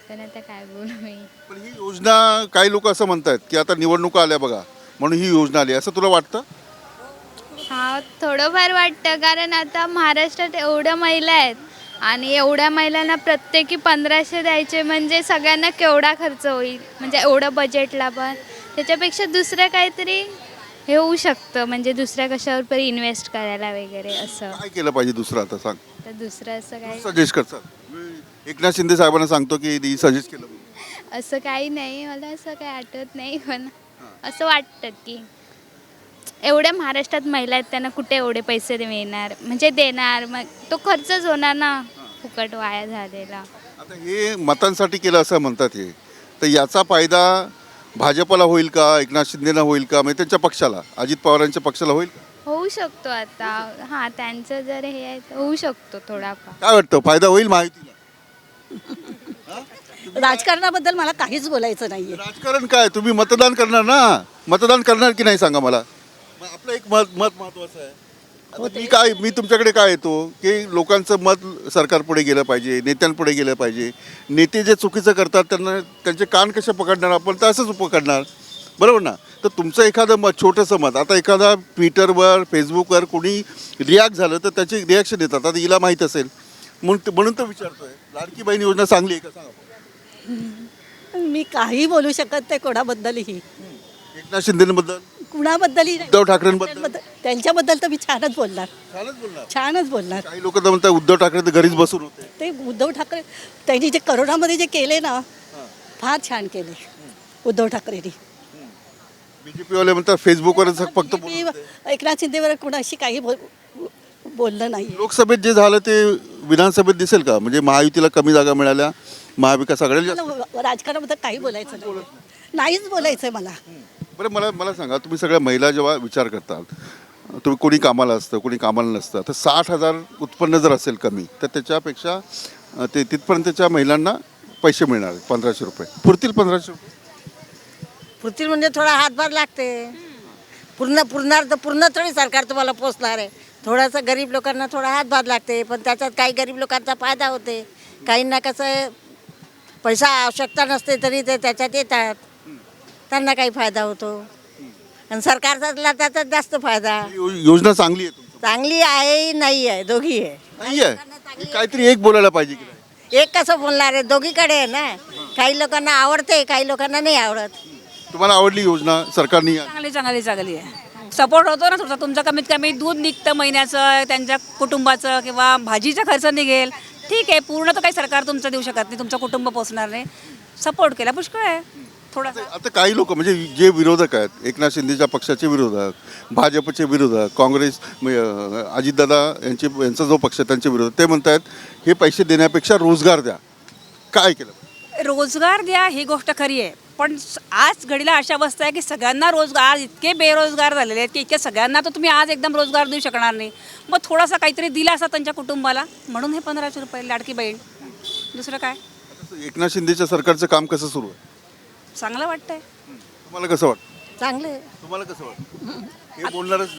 पण आता काय बोलू मी. पण ही योजना काही लोक असं म्हणतात की आता निवडणुका आल्या बघा म्हणून ही योजना आली असं तुला वाटतं? हा थोडंफार वाटतं, कारण आता महाराष्ट्रात एवढ्या महिला आहेत आणि एवढ्या महिलांना प्रत्येकी 1500 द्यायचे म्हणजे सगळ्यांना केवढा खर्च होईल, म्हणजे एवढं बजेटला पण. त्याच्यापेक्षा दुसरं काहीतरी हे होऊ शकतं, म्हणजे दुसऱ्या कशावर पण इन्व्हेस्ट करायला वगैरे असं. काय केलं पाहिजे दुसरं आता सांग. तर दुसरं असं काही सजेस्ट करतात. मी एकनाथ शिंदे साहेबांना सांगतो की ही सजेस्ट केलं म्हणून. असं काही नाही, मला असं काही आठवत नाही, पण असं वाटतं की एवढ्या महाराष्ट्रात महिला आहेत, त्यांना कुठे एवढे पैसे मिळणार, म्हणजे देणार, मग तो खर्चच होणार ना फुकट वाया झालेला. आता हे मतांसाठी केलं असं म्हणतात हे, तर याचा फायदा भाजपला होईल का, एकनाथ शिंदेना होईल का, म्हणजे त्यांच्या पक्षाला, अजित पवारांच्या पक्षाला होईल का? होऊ शकतो आता, हां त्यांचं जर हे आहे तर होऊ शकतो थोडाफार. काय वाटतं फायदा होईल महायुतीला? राजकारणाबद्दल मला काहीच बोलायचं नाहीये. राजकारण काय, तुम्ही मतदान करणार ना, मतदान करणार की नाही सांगा मला. मग आपलं एक मत महत्वाचं आहे. आता मी तुमच्याकडे काय येतो की लोकांचं मत सरकारपुढे गेलं पाहिजे, नेत्यांपुढे गेलं पाहिजे. नेते जे चुकीचं करतात त्यांना त्यांचे कान कसे पकडणार आपण, तर असंच पकडणार, बरोबर ना. तर तुमचं एखादं मत, छोटंसं मत, आता एखादा ट्विटरवर फेसबुकवर कोणी रिॲक्ट झालं तर त्याची रिॲक्शन येतात. आता हिला माहीत असेल म्हणून तर विचारतोय, लाडकी बहीण योजना चांगली आहे का सांगा. मी काही बोलू शकत नाही कोणाबद्दलही, एकनाथ शिंदेबद्दल, कुणाबद्दलही नाही. उद्धव ठाकरेंबद्दल त्यांच्याबद्दल तर मी छानच बोलणार, छानच बोलणार. छानच बोलणार. काही लोक तर म्हणतात उद्धव ठाकरे तर घरीच बसून होते. ते उद्धव ठाकरे त्यांनी जे करोनामध्ये जे केले ना, फार छान केले उद्धव ठाकरेंनी. बीजेपी वाले म्हणतात फेसबुकवरच फक्त बोलत होते. एकनाथ शिंदेवर कुणाशी काही बोललं नाही. लोकसभेत जे झालं ते विधानसभेत दिसेल का, म्हणजे महायुतीला कमी जागा मिळाल्या, महाविकास आघाडीला जास्त. मला राजकारणाबद्दल काही बोलायचं नाही, नाहीच बोलायचंय मला. बरं मला सांगा, तुम्ही सगळ्या महिला जेव्हा विचार करतात, तुम्ही कोणी कामाला असतं कोणी कामाला नसतं, तर 60,000 उत्पन्न जर असेल कमी तर त्याच्यापेक्षा ते तिथपर्यंतच्या महिलांना पैसे मिळणार 1500 रुपये पुरतील. 1500 रुपये पुरतील म्हणजे थोडा हातभार लागते. पुरणार तर पूर्ण थोडी सरकार तुम्हाला पोचणार आहे. थोडासा गरीब लोकांना थोडा हातभार लागते, पण त्याच्यात काही गरीब लोकांचा फायदा होते. काहींना कसं पैसा आवश्यकता नसते तरी ते त्याच्यात येतात, त्यांना काही फायदा होतो. आणि सरकारचा त्याच्यात जास्त फायदा. योजना चांगली आहे तुमची? चांगली आहे नाही आहे, दोघी आहे. नाही आहे, काहीतरी एक बोलायला पाहिजे की नाही. एक कसं बोलणार आहे, दोघीकडे आहे ना. काही लोकांना आवडते, काही लोकांना नाही आवडत. तुम्हाला आवडली योजना सरकारने? चांगली आहे. सपोर्ट होतो ना तुमचा कमीत कमी दूध निघतं महिन्याचं, त्यांच्या कुटुंबाचं किंवा भाजीचा खर्च निघेल. ठीक आहे, पूर्ण तर काही सरकार तुमचं देऊ शकत नाही, तुमचं कुटुंब पोचणार नाही. सपोर्ट केला पुष्कळ आहे थोडासा. आता काही लोक म्हणजे जे विरोधक आहेत, एकनाथ शिंदेच्या पक्षाचे विरोधक, भाजपचे विरोधक, काँग्रेस अजितदादा यांचा जो पक्ष आहे त्यांचे विरोधक, ते म्हणतात हे पैसे देण्यापेक्षा रोजगार द्या. काय केलं? रोजगार द्या ही गोष्ट खरी आहे, पण आज घडीला अशा अवस्था आहे की सगळ्यांना रोजगार, आज इतके बेरोजगार झालेले आहेत की इतक्या सगळ्यांना तर तुम्ही आज एकदम रोजगार देऊ शकणार नाही. मग थोडासा काहीतरी दिला असा त्यांच्या कुटुंबाला, म्हणून हे 1500 रुपये लाडकी बहीण. दुसरं काय, एकनाथ शिंदेच्या सरकारचं काम कसं सुरू आहे? चांगलं वाटतंय. तुम्हाला कसं वाटतं? चांगले तुम्हाला कसं वाटतं? हे बोलणारच